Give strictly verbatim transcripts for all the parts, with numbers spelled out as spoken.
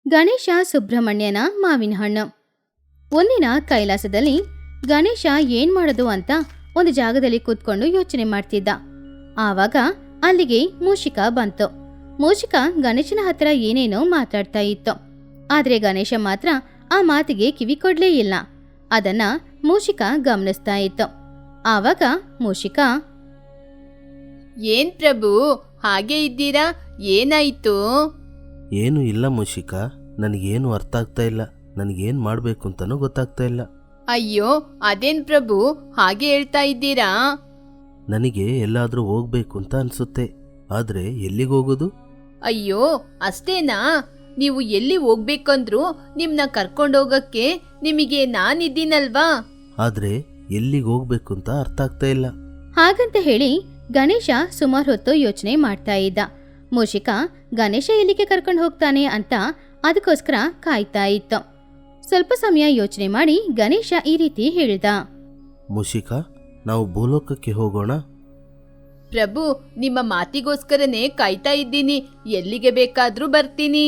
ಗಣೇಶ ಸುಬ್ರಹ್ಮಣ್ಯನ ಮಾವಿನ ಹಣ್ಣು. ಒಂದಿನ ಕೈಲಾಸದಲ್ಲಿ ಗಣೇಶ ಏನ್ ಮಾಡೋದು ಅಂತ ಒಂದು ಜಾಗದಲ್ಲಿ ಕೂತ್ಕೊಂಡು ಯೋಚನೆ ಮಾಡ್ತಿದ್ದ. ಆವಾಗ ಅಲ್ಲಿಗೆ ಮೂಷಿಕ ಬಂತು. ಮೂಷಿಕ ಗಣೇಶನ ಹತ್ರ ಏನೇನೋ ಮಾತಾಡ್ತಾ ಇತ್ತು. ಆದ್ರೆ ಗಣೇಶ ಮಾತ್ರ ಆ ಮಾತಿಗೆ ಕಿವಿ ಕೊಡ್ಲೇ ಇಲ್ಲ. ಅದನ್ನ ಮೂಷಿಕ ಗಮನಿಸ್ತಾ ಇತ್ತು. ಆವಾಗ ಮೂಷಿಕ, ಏನ್ ಪ್ರಭು ಹಾಗೆ ಇದ್ದೀರಾ, ಏನಾಯ್ತು? ಏನು ಇಲ್ಲ ಮೂಷಿಕ, ನನಗೇನು ಅರ್ಥ ಆಗ್ತಾ ಇಲ್ಲ. ನನಗೇನು ಮಾಡಬೇಕು ಅಂತನೂ ಗೊತ್ತಾಗ್ತಾ ಇಲ್ಲ. ಅಯ್ಯೋ ಅದೇನ್ ಪ್ರಭು ಹಾಗೆ ಹೇಳ್ತಾ ಇದ್ದೀರಾ? ನನಗೆ ಎಲ್ಲಾದರೂ ಹೋಗ್ಬೇಕು ಅಂತ ಅನ್ಸುತ್ತೆ, ಆದರೆ ಎಲ್ಲಿಗೆ ಹೋಗೋದು? ಅಯ್ಯೋ ಅಷ್ಟೇನಾ? ನೀವು ಎಲ್ಲಿ ಹೋಗ್ಬೇಕಂದ್ರೂ ನಿಮ್ನ ಕರ್ಕೊಂಡೋಗಕ್ಕೆ ನಿಮಗೆ ನಾನಿದ್ದೀನಲ್ವಾ? ಆದರೆ ಎಲ್ಲಿಗೆ ಹೋಗ್ಬೇಕು ಅಂತ ಅರ್ಥ ಆಗ್ತಾ ಇಲ್ಲ. ಹಾಗಂತ ಹೇಳಿ ಗಣೇಶ ಸುಮಾರು ಹೊತ್ತು ಯೋಚನೆ ಮಾಡ್ತಾ ಇದ್ದ. ಮೂಷಿಕ ಗಣೇಶ ಎಲ್ಲಿಗೆ ಕರ್ಕೊಂಡು ಹೋಗ್ತಾನೆ ಅಂತ ಅದಕ್ಕೋಸ್ಕರ ಕಾಯ್ತಾ ಇತ್ತು. ಸ್ವಲ್ಪ ಸಮಯ ಯೋಚನೆ ಮಾಡಿ ಗಣೇಶ ಈ ರೀತಿ ಹೇಳಿದ. ಮೂಷಿಕ, ನಾವು ಭೂಲೋಕಕ್ಕೆ ಹೋಗೋಣ. ಪ್ರಭು ನಿಮ್ಮ ಮಾತಿಗೋಸ್ಕರನೇ ಕಾಯ್ತಾ ಇದ್ದೀನಿ, ಎಲ್ಲಿಗೆ ಬೇಕಾದ್ರೂ ಬರ್ತೀನಿ.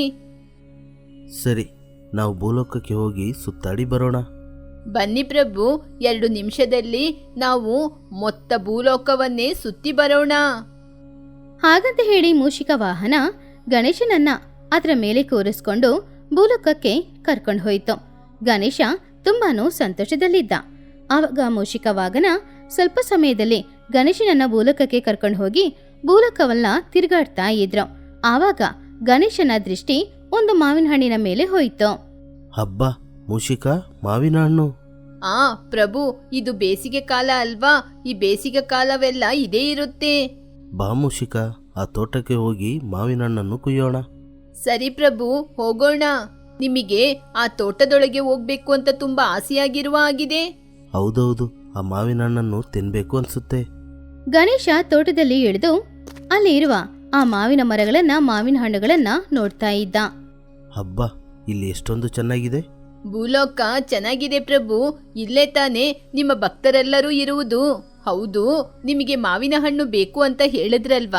ಸರಿ, ನಾವು ಭೂಲೋಕಕ್ಕೆ ಹೋಗಿ ಸುತ್ತಾಡಿ ಬರೋಣ. ಬನ್ನಿ ಪ್ರಭು, ಎರಡು ನಿಮಿಷದಲ್ಲಿ ನಾವು ಮೊತ್ತ ಭೂಲೋಕವನ್ನೇ ಸುತ್ತಿ ಬರೋಣ. ಹಾಗಂತ ಹೇಳಿ ಮೂಷಿಕ ವಾಹನ ಗಣೇಶನನ್ನ ಅದರ ಮೇಲೆ ಕೂರಿಸ್ಕೊಂಡು ಭೂಲೋಕಕ್ಕೆ ಕರ್ಕೊಂಡು ಹೋಯ್ತು. ಗಣೇಶ ತುಂಬಾನು ಸಂತೋಷದಲ್ಲಿದ್ದ. ಆವಾಗ ಮೂಷಿಕ ವಾಹನ ಸ್ವಲ್ಪ ಸಮಯದಲ್ಲಿ ಗಣೇಶನನ್ನ ಭೂಲೋಕಕ್ಕೆ ಕರ್ಕೊಂಡು ಹೋಗಿ ಭೂಲೋಕವನ್ನ ತಿರುಗಾಡ್ತಾ ಇದ್ರು. ಆವಾಗ ಗಣೇಶನ ದೃಷ್ಟಿ ಒಂದು ಮಾವಿನ ಹಣ್ಣಿನ ಮೇಲೆ ಹೋಯ್ತು. ಹಬ್ಬ ಮೂಷಿಕ, ಮಾವಿನ ಹಣ್ಣು. ಆ ಪ್ರಭು, ಇದು ಬೇಸಿಗೆ ಕಾಲ ಅಲ್ವಾ? ಈ ಬೇಸಿಗೆ ಕಾಲವೆಲ್ಲ ಇದೇ ಇರುತ್ತೆ. ಬಾ ಮೂಷಿಕ, ಆ ತೋಟಕ್ಕೆ ಹೋಗಿ ಮಾವಿನ ಹಣ್ಣನ್ನು ಕುಯ್ಯೋಣ. ಸರಿ ಪ್ರಭು, ಹೋಗೋಣ. ನಿಮಗೆ ಆ ತೋಟದೊಳಗೆ ಹೋಗ್ಬೇಕು ಅಂತ ತುಂಬಾ ಆಸೆಯಾಗಿರುವ ಆಗಿದೆ. ಹೌದೌದು, ಆ ಮಾವಿನ ಹಣ್ಣನ್ನು ತಿನ್ಬೇಕು ಅನ್ಸುತ್ತೆ. ಗಣೇಶ ತೋಟದಲ್ಲಿ ಇಳಿದು ಅಲ್ಲಿ ಇರುವ ಆ ಮಾವಿನ ಮರಗಳನ್ನ ಮಾವಿನ ಹಣ್ಣುಗಳನ್ನ ನೋಡ್ತಾ ಇದ್ದ. ಹಬ್ಬ, ಇಲ್ಲಿ ಎಷ್ಟೊಂದು ಚೆನ್ನಾಗಿದೆ. ಭೂಲೋಕ ಚೆನ್ನಾಗಿದೆ ಪ್ರಭು, ಇಲ್ಲೇ ತಾನೇ ನಿಮ್ಮ ಭಕ್ತರೆಲ್ಲರೂ ಇರುವುದು. ಹೌದು, ನಿಮಗೆ ಮಾವಿನ ಹಣ್ಣು ಬೇಕು ಅಂತ ಹೇಳಿದ್ರಲ್ವಾ?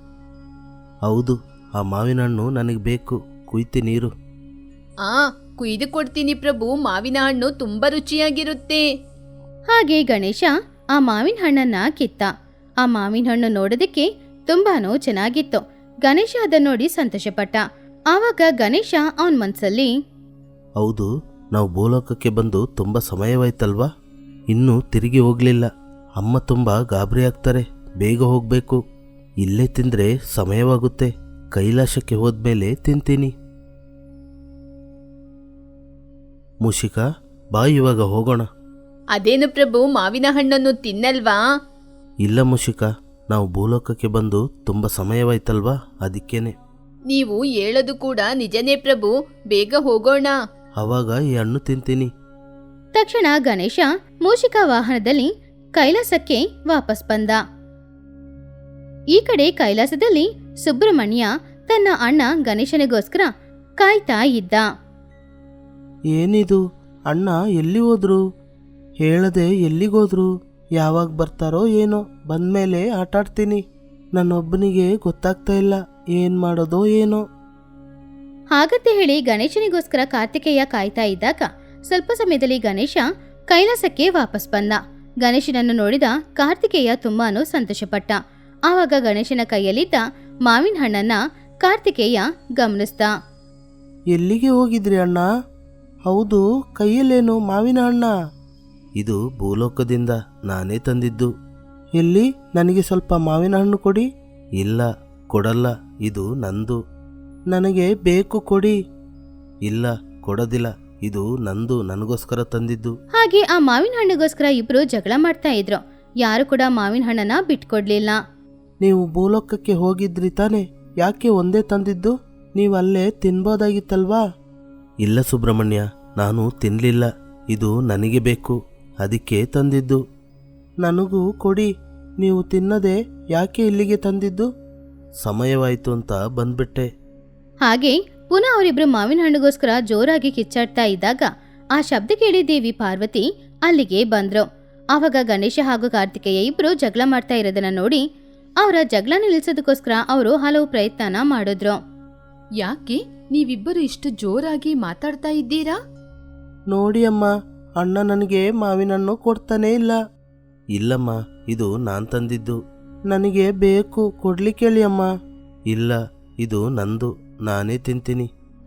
ಹೌದು, ಆ ಮಾವಿನ ಹಣ್ಣು ನನಗೆ ಬೇಕು. ಕುಯ್ತಿ ನೀರು. ಆ ಕುಯ್ದು ಕೊಡ್ತೀನಿ ಪ್ರಭು, ಮಾವಿನ ಹಣ್ಣು ತುಂಬಾ ರುಚಿಯಾಗಿರುತ್ತೆ. ಹಾಗೆ ಗಣೇಶ ಆ ಮಾವಿನ ಹಣ್ಣನ್ನ ಕಿತ್ತ. ಆ ಮಾವಿನ ಹಣ್ಣು ನೋಡೋದಕ್ಕೆ ತುಂಬಾನು ಚೆನ್ನಾಗಿತ್ತು. ಗಣೇಶ ಅದನ್ನ ನೋಡಿ ಸಂತೋಷಪಟ್ಟ. ಆವಾಗ ಗಣೇಶ ಅವನ ಮನ್ಸಲ್ಲಿ, ಹೌದು, ನಾವು ಭೂಲೋಕಕ್ಕೆ ಬಂದು ತುಂಬ ಸಮಯವಾಯ್ತಲ್ವಾ? ಇನ್ನೂ ತಿರುಗಿ ಹೋಗ್ಲಿಲ್ಲ. ಅಮ್ಮ ತುಂಬ ಗಾಬರಿ ಆಗ್ತಾರೆ. ಬೇಗ ಹೋಗ್ಬೇಕು. ಇಲ್ಲೇ ತಿಂದ್ರೆ ಸಮಯವಾಗುತ್ತೆ. ಕೈಲಾಸಕ್ಕೆ ಹೋದ್ಮೇಲೆ ತಿಂತೀನಿ. ಮೂಷಿಕ, ಬಾ, ಇವಾಗ ಹೋಗೋಣ. ಅದೇನು ಪ್ರಭು, ಮಾವಿನ ಹಣ್ಣನ್ನು ತಿನ್ನಲ್ವಾ? ಇಲ್ಲ ಮೂಷಿಕ, ನಾವು ಭೂಲೋಕಕ್ಕೆ ಬಂದು ತುಂಬ ಸಮಯವಾಯ್ತಲ್ವಾ, ಅದಕ್ಕೇನೆ. ನೀವು ಹೇಳೋದು ಕೂಡ ನಿಜನೇ ಪ್ರಭು, ಬೇಗ ಹೋಗೋಣ. ಅವಾಗ ಈ ಹಣ್ಣು ತಿಂತೀನಿ. ತಕ್ಷಣ ಗಣೇಶ ಮೂಷಿಕ ವಾಹನದಲ್ಲಿ ಕೈಲಾಸಕ್ಕೆ ವಾಪಸ್ ಬಂದ. ಈ ಕಡೆ ಕೈಲಾಸದಲ್ಲಿ ಸುಬ್ರಹ್ಮಣ್ಯ ತನ್ನ ಅಣ್ಣ ಗಣೇಶನಿಗೋಸ್ಕರ ಕಾಯ್ತಾ ಇದ್ದ. ಏನಿದು, ಅಣ್ಣ ಎಲ್ಲಿ ಹೋದ್ರು? ಹೇಳದೆ ಎಲ್ಲಿಗೋದ್ರು? ಯಾವಾಗ ಬರ್ತಾರೋ ಏನೋ. ಬಂದ್ಮೇಲೆ ಆಟಾಡ್ತೀನಿ. ನನ್ನೊಬ್ಬನಿಗೆ ಗೊತ್ತಾಗ್ತಾ ಇಲ್ಲ, ಏನ್ ಮಾಡೋದೋ ಏನೋ. ಹಾಗಂತ ಹೇಳಿ ಗಣೇಶನಿಗೋಸ್ಕರ ಕಾರ್ತಿಕೇಯ ಕಾಯ್ತಾ ಇದ್ದಾಗ ಸ್ವಲ್ಪ ಸಮಯದಲ್ಲಿ ಗಣೇಶ ಕೈಲಾಸಕ್ಕೆ ವಾಪಸ್ ಬಂದ. ಗಣೇಶನನ್ನು ನೋಡಿದ ಕಾರ್ತಿಕೇಯ ತುಂಬಾನು ಸಂತೋಷಪಟ್ಟ. ಆವಾಗ ಗಣೇಶನ ಕೈಯಲ್ಲಿದ್ದ ಮಾವಿನ ಹಣ್ಣನ್ನ ಕಾರ್ತಿಕೇಯ ಗಮನಿಸ್ದ. ಎಲ್ಲಿಗೆ ಹೋಗಿದ್ರಿ ಅಣ್ಣ? ಹೌದು, ಕೈಯಲ್ಲೇನು ಮಾವಿನ ಹಣ್ಣ? ಇದು ಭೂಲೋಕದಿಂದ ನಾನೇ ತಂದಿದ್ದು. ಎಲ್ಲಿ, ನನಗೆ ಸ್ವಲ್ಪ ಮಾವಿನ ಹಣ್ಣು ಕೊಡಿ. ಇಲ್ಲ, ಕೊಡಲ್ಲ, ಇದು ನಂದು. ನನಗೆ ಬೇಕು, ಕೊಡಿ. ಇಲ್ಲ, ಕೊಡೋದಿಲ್ಲ, ಇದು ನಂದು, ನನಗೋಸ್ಕರ ತಂದಿದ್ದು. ಹಾಗೆ ಆ ಮಾವಿನ ಹಣ್ಣಿಗೋಸ್ಕರ ಇಬ್ರು ಜಗಳ ಮಾಡ್ತಾ ಇದ್ರು. ಯಾರು ಕೂಡ ಮಾವಿನ ಹಣ್ಣನ್ನ ಬಿಟ್ಕೊಡ್ಲಿಲ್ಲ. ನೀವು ಭೂಲೋಕಕ್ಕೆ ಹೋಗಿದ್ರಿ ತಾನೆ, ಯಾಕೆ ಒಂದೇ ತಂದಿದ್ದು? ನೀವು ಅಲ್ಲೇ ತಿನ್ಬೋದಾಗಿತ್ತಲ್ವಾ? ಇಲ್ಲ ಸುಬ್ರಹ್ಮಣ್ಯ, ನಾನು ತಿನ್ನಲಿಲ್ಲ. ಇದು ನನಗೆ ಬೇಕು, ಅದಕ್ಕೆ ತಂದಿದ್ದು. ನನಗೂ ಕೊಡಿ. ನೀವು ತಿನ್ನದೆ ಯಾಕೆ ಇಲ್ಲಿಗೆ ತಂದಿದ್ದು? ಸಮಯವಾಯಿತು ಅಂತ ಬಂದ್ಬಿಟ್ಟೆ. ಹಾಗೆ ಪುನಃ ಅವರಿಬ್ರು ಮಾವಿನ ಹಣ್ಣಿಗೋಸ್ಕರ ಜೋರಾಗಿ ಕಿಚ್ಚಾಡ್ತಾ ಇದ್ದಾಗ ಆ ಶಬ್ದ ಕೇಳಿ ದೇವಿ ಪಾರ್ವತಿ ಅಲ್ಲಿಗೆ ಬಂದ್ರು. ಆವಾಗ ಗಣೇಶ ಹಾಗೂ ಕಾರ್ತಿಕೇಯ ಇಬ್ರು ಜಗಳ ಮಾಡ್ತಾ ಇರೋದನ್ನ ನೋಡಿ ಅವರ ಜಗಳ ನಿಲ್ಲಿಸೋದಕ್ಕೋಸ್ಕರ ಅವರು ಹಲವು ಪ್ರಯತ್ನನ ಮಾಡಿದ್ರು. ಯಾಕೆ ನೀವಿಬ್ಬರು ಇಷ್ಟು ಜೋರಾಗಿ ಮಾತಾಡ್ತಾ ಇದ್ದೀರಾ? ನೋಡಿ ಅಮ್ಮ, ಅಣ್ಣ ನನಗೆ ಮಾವಿನ ಹಣ್ಣು ಕೊಡ್ತಾನೇ ಇಲ್ಲ. ಇಲ್ಲಮ್ಮ, ಇದು ನಾನು ತಂದಿದ್ದು. ನನಗೆ ಬೇಕು, ಕೊಡ್ಲಿಕ್ಕೆ ಹೇಳಿ ಅಮ್ಮ. ಇಲ್ಲ, ಇದು ನಂದು, ನಾನೇ ತಿಂತೀನಿ.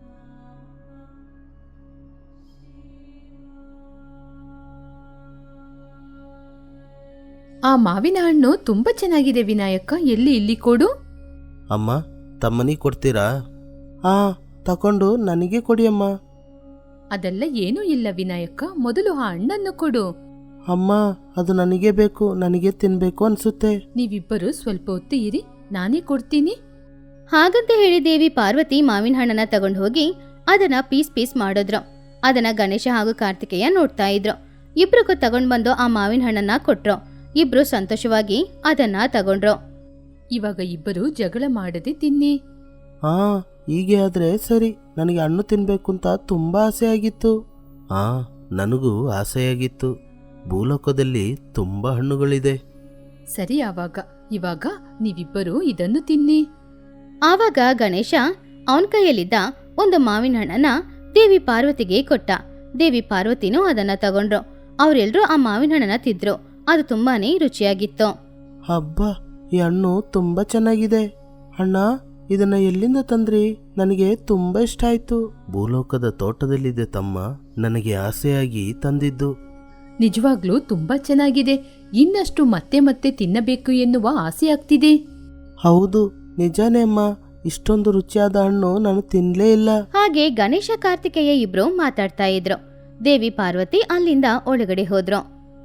ಆ ಮಾವಿನ ಹಣ್ಣು ತುಂಬಾ ಚೆನ್ನಾಗಿದೆ ವಿನಾಯಕ, ಎಲ್ಲಿ ಇಲ್ಲಿ ಕೊಡು. ಅಮ್ಮ, ತಮ್ಮನಿಗೆ ಕೊಡ್ತೀರಾ? ಆ ತಕೊಂಡು ನನಗೆ ಕೊಡಿ ಅಮ್ಮ. ಅದೆಲ್ಲ ಏನೂ ಇಲ್ಲ ವಿನಾಯಕ, ಮೊದಲು ಆ ಹಣ್ಣನ್ನು ಕೊಡು. ಅಮ್ಮ, ಅದು ನನಗೆ ಬೇಕು, ನನಗೆ ತಿನ್ಬೇಕು ಅನ್ಸುತ್ತೆ. ನೀವಿಬ್ಬರು ಸ್ವಲ್ಪ ಹೊತ್ತು ಇರಿ, ನಾನೇ ಕೊಡ್ತೀನಿ. ಹಾಗಂತ ಹೇಳಿ ದೇವಿ ಪಾರ್ವತಿ ಮಾವಿನ ಹಣ್ಣನ್ನ ತಗೊಂಡು ಹೋಗಿ ಅದನ್ನ ಪೀಸ್ ಪೀಸ್ ಮಾಡಿದ್ರು. ಅದನ್ನ ಗಣೇಶ ಹಾಗೂ ಕಾರ್ತಿಕೇಯ ನೋಡ್ತಾ ಇದ್ರು. ಇಬ್ರಿಗೂ ತಗೊಂಡ್ ಬಂದು ಆ ಮಾವಿನ ಹಣ್ಣನ್ನ ಕೊಟ್ರು. ಇಬ್ರು ಸಂತೋಷವಾಗಿ ಅದನ್ನ ತಗೊಂಡ್ರು. ಇವಾಗ ಇಬ್ಬರು ಜಗಳ ಮಾಡದೆ ತಿನ್ನಿ. ಹಾ, ಹೀಗೆ ಆದ್ರೆ ಸರಿ. ನನಗೆ ಹಣ್ಣು ತಿನ್ಬೇಕು ಅಂತ ತುಂಬಾ ಆಸೆ ಆಗಿತ್ತು. ಹಾ, ನನಗೂ ಆಸೆಯಾಗಿತ್ತು. ಭೂಲೋಕದಲ್ಲಿ ತುಂಬಾ ಹಣ್ಣುಗಳಿದೆ. ಸರಿ, ಆವಾಗ ಇವಾಗ ನೀವಿಬ್ಬರು ಇದನ್ನು ತಿನ್ನಿ. ಆವಾಗ ಗಣೇಶ ಅವನ ಕೈಯಲ್ಲಿದ್ದ ಒಂದು ಮಾವಿನ ಹಣ್ಣನ್ನ ದೇವಿ ಪಾರ್ವತಿಗೆ ಕೊಟ್ಟ. ದೇವಿ ಪಾರ್ವತಿನೂ ಅದನ್ನ ತಗೊಂಡ್ರು. ಅವರೆಲ್ಲರೂ ಆ ಮಾವಿನ ಹಣ್ಣನ್ನ ತಿಂದ್ರು. ಅದು ತುಂಬಾನೇ ರುಚಿಯಾಗಿತ್ತು. ಹಬ್ಬ, ಈ ಹಣ್ಣು ತುಂಬಾ ಚೆನ್ನಾಗಿದೆ. ಅಣ್ಣ, ಇದನ್ನ ಎಲ್ಲಿಂದ ತಂದ್ರಿ? ನನಗೆ ತುಂಬಾ ಇಷ್ಟ ಆಯ್ತು. ಭೂಲೋಕದ ತೋಟದಲ್ಲಿದೆ ತಮ್ಮ, ನನಗೆ ಆಸೆಯಾಗಿ ತಂದಿದ್ದು. ನಿಜವಾಗ್ಲೂ ತುಂಬಾ ಚೆನ್ನಾಗಿದೆ. ಇನ್ನಷ್ಟು ಮತ್ತೆ ಮತ್ತೆ ತಿನ್ನಬೇಕು ಎನ್ನುವ ಆಸೆ ಆಗ್ತಿದೆ. ಹೌದು, ನಿಜಾನೇ ಅಮ್ಮ. ಇಷ್ಟೊಂದು ರುಚಿಯಾದ ಹಣ್ಣು ನಾನು ತಿನ್ಲೇ ಇಲ್ಲ. ಹಾಗೆ ಗಣೇಶ ಕಾರ್ತಿಕೇಯ ಇಬ್ರು ಮಾತಾಡ್ತಾ ಇದ್ರು. ದೇವಿ ಪಾರ್ವತಿ ಅಲ್ಲಿಂದ ಒಳಗಡೆ ಹೋದ್ರು.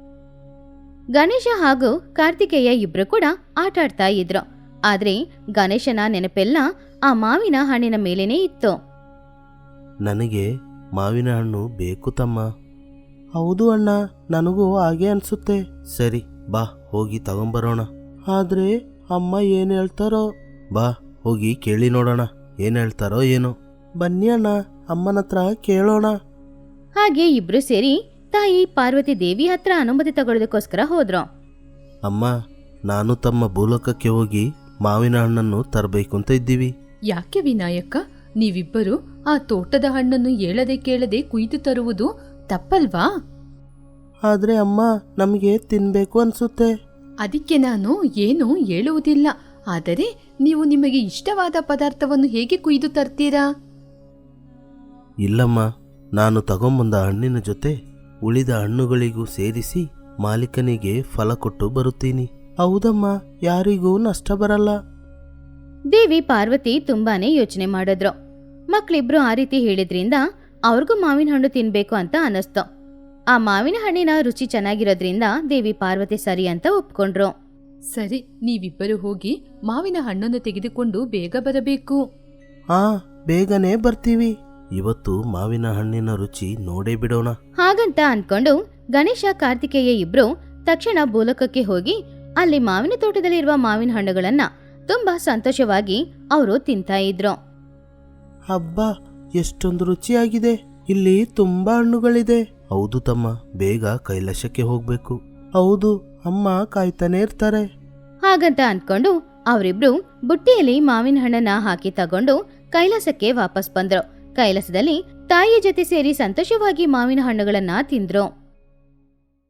ಗಣೇಶ ಹಾಗೂ ಕಾರ್ತಿಕೇಯ ಇಬ್ರು ಕೂಡ ಆಟಾಡ್ತಾ ಇದ್ರು. ಆದ್ರೆ ಗಣೇಶನ ನೆನಪೆಲ್ಲ ಆ ಮಾವಿನ ಹಣ್ಣಿನ ಮೇಲೇನೆ ಇತ್ತು. ನನಗೆ ಮಾವಿನ ಹಣ್ಣು ಬೇಕು ತಮ್ಮ. ಹೌದು ಅಣ್ಣ, ನನಗೂ ಹಾಗೆ ಅನ್ಸುತ್ತೆ. ಸರಿ, ಬಾ ಹೋಗಿ ತಗೊಂಬರೋಣ. ಆದ್ರೆ ಅಮ್ಮ ಏನ್ ಹೇಳ್ತಾರೋ? ಬಾ ಹೋಗಿ ಕೇಳಿ ನೋಡೋಣ, ಏನ್ ಹೇಳ್ತಾರೋ ಏನೋ. ಬನ್ನಿ ಅಣ್ಣ, ಅಮ್ಮನ ಹತ್ರ ಕೇಳೋಣ. ಹಾಗೆ ಇಬ್ರು ಸೇರಿ ತಾಯಿ ಪಾರ್ವತಿ ದೇವಿ ಹತ್ರ ಅನುಮತಿ ತಗೊಳ್ಳೋದಕ್ಕೋಸ್ಕರ ಹೋದ್ರು. ಅಮ್ಮ, ನಾನು ತಮ್ಮ ಭೂಲೋಕಕ್ಕೆ ಹೋಗಿ ಮಾವಿನ ಹಣ್ಣನ್ನು ತರಬೇಕು ಅಂತ ಇದ್ದೀವಿ. ಯಾಕೆ ವಿನಾಯಕ, ನೀವಿಬ್ಬರು ಆ ತೋಟದ ಹಣ್ಣನ್ನು ಹೇಳದೆ ಕೇಳದೆ ಕುಯ್ದು ತರುವುದು ತಪ್ಪಲ್ವಾ? ಆದ್ರೆ ಅಮ್ಮ, ನಮಗೆ ತಿನ್ಬೇಕು ಅನ್ಸುತ್ತೆ. ಅದಕ್ಕೆ ನಾನು ಏನು ಹೇಳುವುದಿಲ್ಲ. ಆದರೆ ನೀವು ನಿಮಗೆ ಇಷ್ಟವಾದ ಪದಾರ್ಥವನ್ನು ಹೇಗೆ ಕುಯ್ದು ತರ್ತೀರಾ? ಇಲ್ಲಮ್ಮ, ನಾನು ತಗೊಂಬಂದ ಹಣ್ಣಿನ ಜೊತೆ ಉಳಿದ ಹಣ್ಣುಗಳಿಗೂ ಸೇರಿಸಿ ಮಾಲೀಕನಿಗೆ ಫಲ ಕೊಟ್ಟು ಬರುತ್ತೀನಿ. ಹೌದಮ್ಮ, ಯಾರಿಗೂ ನಷ್ಟ ಬರಲ್ಲ. ದೇವಿ ಪಾರ್ವತಿ ತುಂಬಾನೇ ಯೋಚನೆ ಮಾಡಿದ್ರು. ಮಕ್ಳಿಬ್ರು ಆ ರೀತಿ ಹೇಳಿದ್ರಿಂದ ಅವ್ರಿಗೂ ಮಾವಿನ ಹಣ್ಣು ತಿನ್ಬೇಕು ಅಂತ ಅನಿಸ್ತು. ಆ ಮಾವಿನ ಹಣ್ಣಿನ ರುಚಿ ಚೆನ್ನಾಗಿರೋದ್ರಿಂದ ದೇವಿ ಪಾರ್ವತಿ ಸರಿ ಅಂತ ಒಪ್ಕೊಂಡ್ರು. ಸರಿ, ನೀವಿಬ್ಬರು ಹೋಗಿ ಮಾವಿನ ಹಣ್ಣನ್ನು ತೆಗೆದುಕೊಂಡು ಬೇಗ ಬರಬೇಕು. ಹಾ, ಬೇಗನೆ ಬರ್ತೀವಿ. ಇವತ್ತು ಮಾವಿನ ಹಣ್ಣಿನ ರುಚಿ ನೋಡೇ ಬಿಡೋಣ. ಹಾಗಂತ ಅನ್ಕೊಂಡು ಗಣೇಶ ಕಾರ್ತಿಕೇಯ ಇಬ್ರು ತಕ್ಷಣ ಭೂಲೋಕಕ್ಕೆ ಹೋಗಿ ಅಲ್ಲಿ ಮಾವಿನ ತೋಟದಲ್ಲಿರುವ ಮಾವಿನ ಹಣ್ಣುಗಳನ್ನ ತುಂಬಾ ಸಂತೋಷವಾಗಿ ಅವರು ತಿಂತಾ ಇದ್ರು. ಹಬ್ಬ, ಎಷ್ಟೊಂದು ರುಚಿಯಾಗಿದೆ. ಇಲ್ಲಿ ತುಂಬಾ ಹಣ್ಣುಗಳಿದೆ. ಹೌದು ತಮ್ಮ, ಬೇಗ ಕೈಲಾಸಕ್ಕೆ ಹೋಗ್ಬೇಕು. ಹೌದು, ಅಮ್ಮ ಕಾಯ್ತಾನೆ ಇರ್ತಾರೆ. ಹಾಗಂತ ಅನ್ಕೊಂಡು ಅವರಿಬ್ರು ಬುಟ್ಟಿಯಲ್ಲಿ ಮಾವಿನ ಹಣ್ಣನ್ನ ಹಾಕಿ ತಗೊಂಡು ಕೈಲಾಸಕ್ಕೆ ವಾಪಸ್ ಬಂದ್ರು. ಕೈಲಾಸದಲ್ಲಿ ತಾಯಿಯ ಜೊತೆ ಸೇರಿ ಸಂತೋಷವಾಗಿ ಮಾವಿನ ಹಣ್ಣುಗಳನ್ನ ತಿಂದ್ರು.